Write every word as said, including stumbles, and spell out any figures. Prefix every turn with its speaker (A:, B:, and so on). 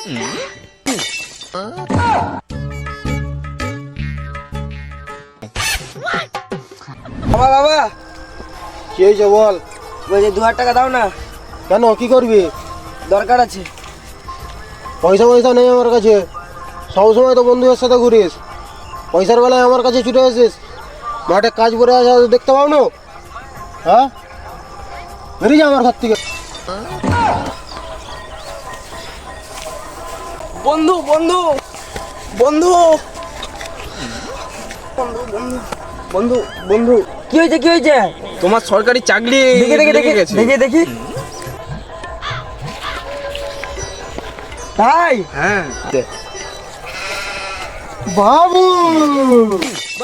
A: বাবা বাবা
B: কি হয়েছে বল?
A: বলছি দু হাজার টাকা দাও না,
B: কেন, কি করবি?
A: দরকার আছে।
B: পয়সা পয়সা নেই আমার কাছে। সবসময় তো বন্ধুদের সাথে ঘুরিস, পয়সার বেলায় আমার কাছে ছুটে আসিস। মাঠে কাজ পড়ে আসা দেখতে পাও না? হ্যাঁ, বেরিয়ে যা আমার ঘর থেকে।
A: বন্ধু বন্ধু বন্ধু বন্ধু বন্ধু বন্ধু বন্ধু কি হয়েছে কি হয়েছে?
C: তোমার সরকারি চাকরি
A: দেখি দেখি দেখি
C: লেগে গেছে।
A: দেখি দেখি ভাই।
C: হ্যাঁ,
B: বাবু